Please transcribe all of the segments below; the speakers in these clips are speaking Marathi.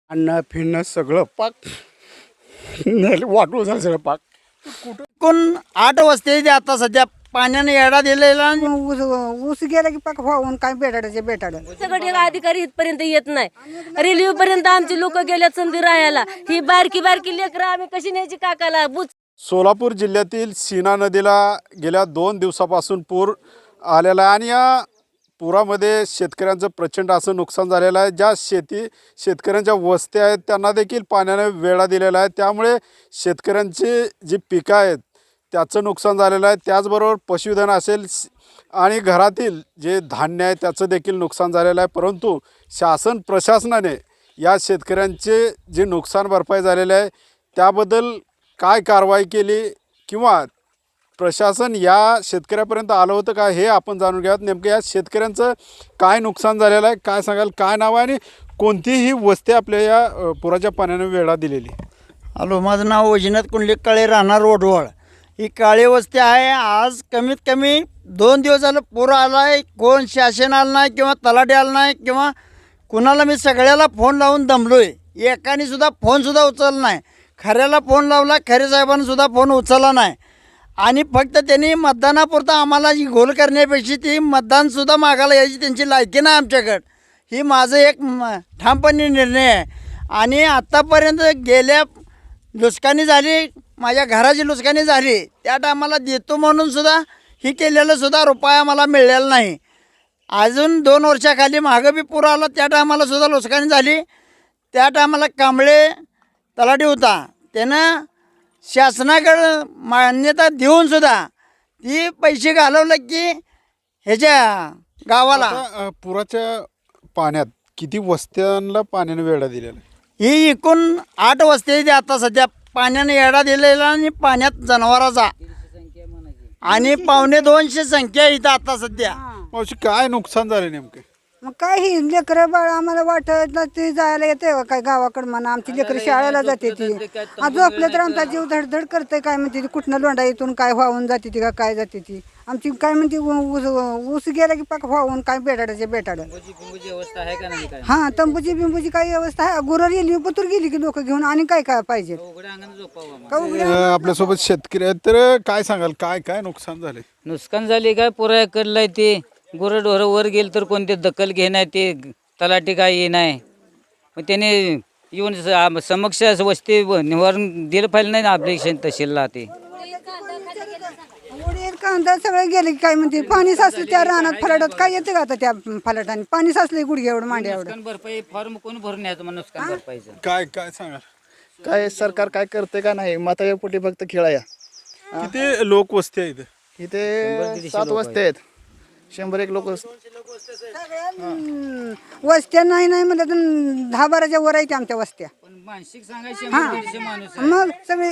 अन्न फिरणं सगळं पाक वाटून झालं सगळं पाक. कुठं कोण 8 वस्ती आहेत आता सध्या पाण्याने येडा दिलेला आणि ऊस गेला की पाक वाहून काय बेटाडाचे बेटाड. सगळे अधिकारी इथपर्यंत येत नाही. रेल्वे पर्यंत आमची लोक गेल्यात समधी राहायला. ही बारकी बारकी लेकरं आम्ही कशी न्यायची काकाला बुच. सोलापूर जिल्ह्यातील सीना नदीला गेल्या 2 दिवसापासून पूर आलेला आहे आणि या पुरामध्ये शेतकऱ्यांचं प्रचंड असं नुकसान झालेलं आहे. ज्या शेतकऱ्यांच्या वस्त्या आहेत त्यांना देखील पाण्याने वेढा दिलेला आहे. त्यामुळे शेतकऱ्यांची जी पिकं आहेत त्याचं नुकसान झालेलं आहे. त्याचबरोबर पशुधन असेल आणि घरातील जे धान्य आहे त्याचं देखील नुकसान झालेलं आहे. परंतु शासन प्रशासनाने या शेतकऱ्यांचे जे नुकसान भरपाई झालेले आहे त्याबद्दल काय कारवाई केली किंवा प्रशासन या शेतकऱ्यापर्यंत आलं होतं का हे आपण जाणून घ्यावं. नेमकं या शेतकऱ्यांचं काय नुकसान झालेलं आहे, काय सांगाल, काय नाव आहे आणि कोणतीही वस्ती आपल्या या पुराच्या पाण्याने वेढा दिलेली. हॅलो, माझं नाव वैजनाथ कुंडलिक काळे, राहणार रोडवळ. ही काळी वस्ती आहे. आज कमीत कमी 2 दिवस झालं पूर आला आहे. कोण शासन आलं नाही किंवा तलाठी आलं नाही किंवा कुणाला मी सगळ्याला फोन लावून दमलो आहे. एकाने सुद्धा फोनसुद्धा उचलला नाही. खऱ्याला फोन लावला, खरे साहेबांना सुद्धा फोन उचलला नाही. आणि फक्त त्यांनी मतदानापुरता आम्हाला जी घोल करण्यापेक्षा ती मतदानसुद्धा मागायला यायची त्यांची लायकी नाही आमच्याकडं. ही माझं एक ठामपणे निर्णय आहे. आणि आत्तापर्यंत गेल्या नुकसानी झाली, माझ्या घराची नुकसानी झाली, त्या टायमाला देतो म्हणून सुद्धा ही केलेलं सुद्धा रुपया मला मिळलेला नाही. अजून 2 वर्षाखाली मागं बी पूर आला, त्या टायमाला सुद्धा नुकसानी झाली. त्या टायमाला कांबळे तलाठी होता, त्यानं शासनाकडं मान्यता देऊन सुद्धा ती पैसे घालवलं की ह्याच्या गावाला. आता पुराच्या पाण्यात किती वस्त्यांना पाण्याने वेढा दिलेला आहे? ही एकूण 8 वस्ती आहेत आता सध्या पाण्याने येडा दिलेला आणि पाण्यात जनावराचा आणि 250 संख्या इथं आता सध्या. मावशी काय नुकसान झालं नेमकं? मग काय ही लेकरं बाळ आम्हाला वाटत ना ते जायला येते काय गावाकडं म्हणा. आमची लेकरं शाळेला जाते ती. आज झोपलं तर आमचा जीव धडधड करते. काय म्हणते ती कुठनं लोंढा इथून काय वाहून जाते ती का काय जाते ती. आमची काय म्हणते ऊस गेला की पाक वाहून काय बेटाडाचे बेटाड. हां, तंबूची बिंबूची काही व्यवस्था आहे. गुरं गेली पतूर गेली की लोक घेऊन आणि काय काय पाहिजे का उघड्या. आपल्यासोबत शेतकरी आहेत, तर काय सांगाल, काय काय नुकसान झाले? नुकसान झाले काय पुरा करलाय ते. गुरंढोरं वर गेलं तर कोणते दखल घेणार ते तलाठी काय ये नाही. मग त्याने येऊन समक्ष वस्ती निवारण दिलं पाहिजे नाही ना आपल्या तहसीलला. ते उडीद कांदा सगळं गेले की काय म्हणते पाणी साचलं त्या रानात फलाटात. काय येते का आता त्या फलाटाने पाणी साचले गुडघे एवढं मांडे एवढं. नुकसान भरपाई फॉर्म कोण भरून यायचं मग नुकसान भरपाईचं. काय काय सांगाल? काय सरकार काय करते का नाही, माता पोटी फक्त खेळाया. किती लोक वस्ती आहे इथे? इथे 7 वस्ती आहेत, 100-1 लोक. वस्त्या नाही नाही म्हणलं तर 10-12च्या वर आहेत आमच्या वस्त्या. पण मानसिक सांगायचे माणूस आहे. मग सगळे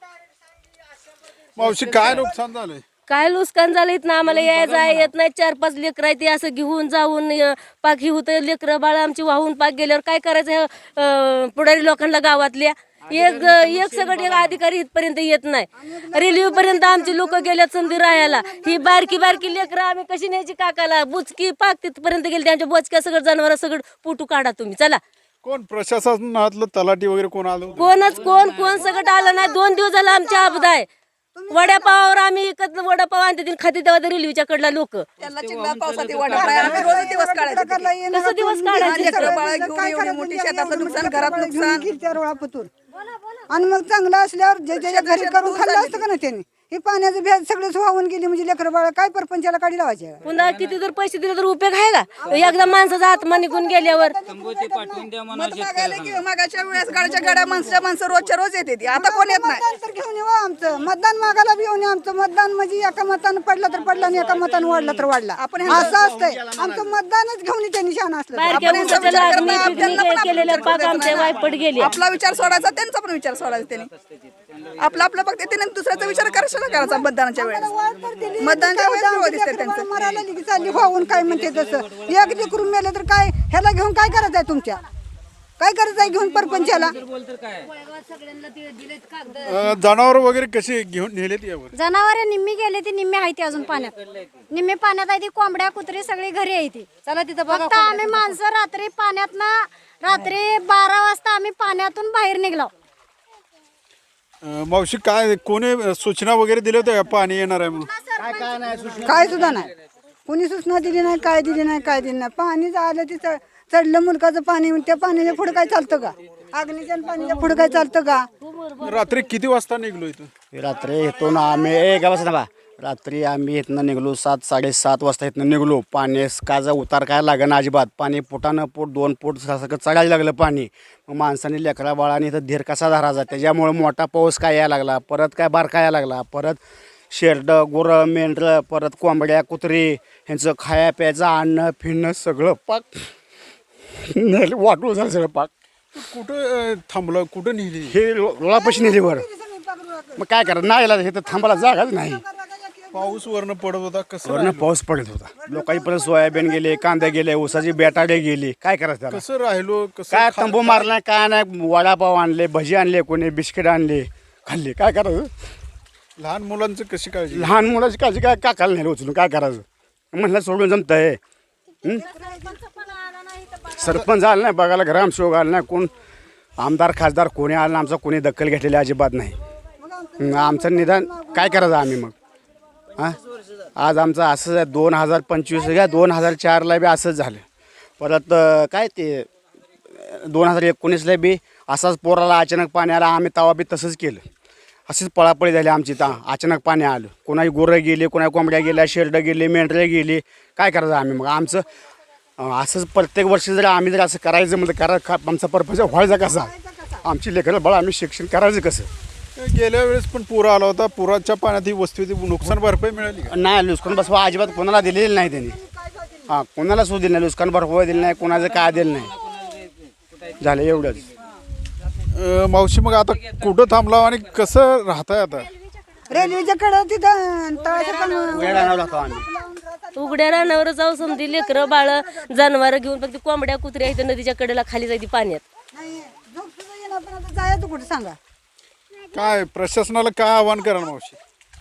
मावशी काय नुकसान झालंय? काय नुकसान झालं इथं आम्हाला यायचं येत नाही. 4-5 लेकरं आहे ते असं घेऊन जाऊन पाक ही होतं. लेकरं बाळ आमची वाहून पाक गेल्यावर काय करायचं पुढारी लोकांना गावातल्या. एक सगळं अधिकारी इथपर्यंत येत नाही. रेल्वे पर्यंत आमची लोक गेल्यात समधी राहायला. ही बारकी बारकी लेकरं आम्ही कशी न्यायची काकाला बुचकी पाक तिथपर्यंत गेली. त्यांच्या बोचक्या सगळं जनावर सगळं पुटू काढा तुम्ही चला. कोण प्रशासनातलं तलाठी वगैरे कोण आलं होतं? कोण सगळं आलं नाही. 2 दिवस झाला आमच्या अपघात आहे. वडापावावर आम्ही एकत्र वडापाव आणते खाते तेव्हा रेल्वेच्या कडला लोक त्यांना चिंता पावसात वडापाव आम्ही रोज दिवस काढायचे. कसं दिवस काढायचे. लेकरं बाळं घेऊन एवढी मोठी शेताचं नुकसान, घरात नुकसान. पतूर आणि मग चांगलं असल्यावर जे ज्याच्या घरी करून खाल्लं असतं का ना त्यांनी. हे पाण्याचं भेद सगळेच वाहून गेली म्हणजे लेकरं बाळ काय परपंचाला काढी लावायचे. पुन्हा किती जर पैसे दिले तर उपयोग आहे का. एकदा माणसाचा आत्मा निघून गेल्यावर पाठवून द्या म्हणा. मत मागायला की मागाच्या वेळेस गाडीच्या गाड्या माणसं रोजच्या रोज येते ती. आता कोण येत नाही. मतदान तर घेऊन येऊ आमचं. मतदान मागायला बी येऊन आमचं मतदान म्हणजे एका मतानं पडला तर पडला आणि एका मतानं वाढला तर वाढला. आपण असं असतंय आमचं मतदानच घेऊन त्यांनी शान असलं. बारक्या उंचाच्या लागणी पिकनिक केलेल्या पाक आमच्या वायपट गेले. आपला विचार सोडायचा, त्यांचा पण विचार सोडायचा. त्यांनी आपला फक्त त्याने दुसऱ्याचा विचार करायचा मतदानाच्या वेळेस. मतदानाच्या वेळेस दिसते त्यांचं. मरायला लिखी चालली वाहून काय म्हणते तसं. एक लेकरून मेलं तर काय ह्याला घेऊन काय करायचं आहे तुमच्या. काय करायचं आहे घेऊन परपंचाला. जनावर वगैरे कशी घेऊन नेलेत यावर? जनावर निम्मी गेले ती निम्मी आहे ती अजून पाण्यात. निम्मी पाण्यात आहे ती. कोंबड्या कुत्री सगळी घरी आहे ती. चला तिथं फक्त आम्ही माणसं रात्री पाण्यात ना रात्री 12 वाजता आम्ही पाण्यातून बाहेर निघलो. मावशी काय कोणी सूचना वगैरे दिल्या होत्या का पाणी येणार आहे म्हणून? काय सुद्धा नाही, कोणी सूचना दिली नाही, काय दिली नाही, काय दिली नाही. पाणी आलं ते चढलं मुलकाचं पाणी, त्या पाण्याच्या पुढे काय चालतं का? अग्नीच्या पाण्याच्या पुढे काय चालतं का? रात्री किती वाजता निघलो इथून? रात्री इथून आम्ही काय बस ना रात्री आम्ही इथनं निघलो 7-7:30 वाजता इथनं निघलो. पाणी काचा उतार काय लागेना अजिबात. पाणी फुटानं फूट 2 फूट सगळं चढायला लागलं पाणी. मग माणसाने लेकरा बाळाने इथं धीर कसा धरायचा, त्याच्यामुळे मोठा पाऊस काय यायला लागला, परत काय बारका यायला लागला, परत शेरडं गुरं मेंढरं, परत कोंबड्या कुत्री ह्यांचं खाया प्यायचं आणणं फिरणं सगळं पाक वाटून झालं सगळं पाक. कुठं थांबलं, कुठं नेली? हे लोळापाशी नेलीवर मग काय करा नाही यायला, हे तर थांबायला जागाच नाही. पाऊस वरनं पडत होता, कसं वरनं पाऊस पडत होता. लोकांची परत सोयाबीन गेले, कांदे गेले, ऊसाची बेटाडे गेली. काय करायचं त्याला? कसं राहिलो, कसं काय तंबू मारला काय नाही. वडापाव आणले, भजी आणले, कोणी बिस्किट आणले, खाल्ले. काय करायचं? लहान मुलांचं कशी काळजी? लहान मुलाची काळजी काय काकाला नाही उचलून काय करायचं? म्हणलं सोडून जमतंय. सरपंच आला नाही बघायला, ग्रामसेवक आला नाही, कोण आमदार खासदार कोणी आला नाही. आमचा कोणी दखल घेतलेली अजिबात नाही. आमचं निदान काय करायचं आम्ही मग? हां आज आमचं असंच आहे. 2025 घ्या, 2004ला बी असंच झालं. परत काय ते 2019ला बी असाच पोराला अचानक पाणी आलं. आम्ही तवा बी तसंच केलं. अशीच पळापळी झाली आमची. अचानक पाणी आलं. कोणाची गुरं गेली, कोणा कोंबड्या गेल्या, शेरडं गेले, मेंढरे गेली. काय करायचं आम्ही मग? आमचं असंच प्रत्येक वर्षी जर आम्ही जर असं करायचं म्हणजे आमचा पर्पज व्हायचा कसा? आमची लेकरं बाळ आम्ही शिक्षण करायचं कसं? गेल्या वेळेस पण पूर आला होता. पुराच्या पाण्यात ही वस्ती नुकसान भरपाई मिळाली का? नाही, नुकसान भरपाई अजिबात कोणाला दिलेली नाही त्यांनी. हां कोणाला सुद्धा दिली नाही, नुकसान भरपाई दिली नाही, कोणाचं काय दिलं नाही. झालं एवढंच. मावशी मग आता कुठं थांबला आणि कसं राहताय आता? रेल्वेच्या कडं तिथं तळाचं पण आम्ही उघड्या रानावर जाऊ समजी लेकरं बाळ जनावर घेऊन फक्त कोंबड्या कुत्र्या इथं नदीच्या कडेला खाली जायची पाण्यात. नाही, झोप सुद्धा येणार, पण आता जायचं कुठं सांगा? काय प्रशासनाला काय आव्हान करा मावशी?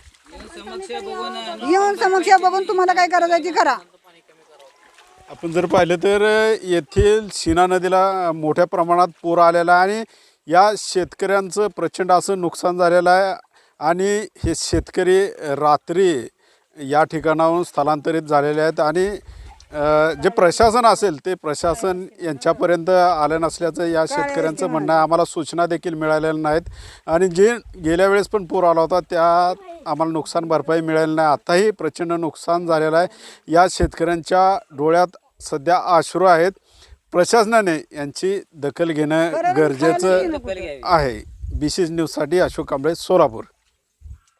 येऊन समस्या बघून तुम्हाला काय करायचं ते करा. आपण जर पाहिलं तर येथील सीना नदीला मोठ्या प्रमाणात पूर आलेला आहे आणि या शेतकऱ्यांचं प्रचंड असं नुकसान झालेलं आहे. आणि हे शेतकरी रात्री या ठिकाणाहून स्थलांतरित झालेले आहेत आणि जे प्रशासन असेल ते प्रशासन यांच्यापर्यंत आलं नसल्याचं या शेतकऱ्यांचं म्हणणं आहे. आम्हाला सूचना देखील मिळालेल्या नाहीत आणि जे गेल्या वेळेस पण पूर आला होता त्यात आम्हाला नुकसान भरपाई मिळाली नाही. आताही प्रचंड नुकसान झालेलं आहे. या शेतकऱ्यांच्या डोळ्यात सध्या अश्रू आहेत. प्रशासनाने यांची दखल घेणं गरजेचं आहे. BC न्यूजसाठी अशोक कांबळे, सोलापूर.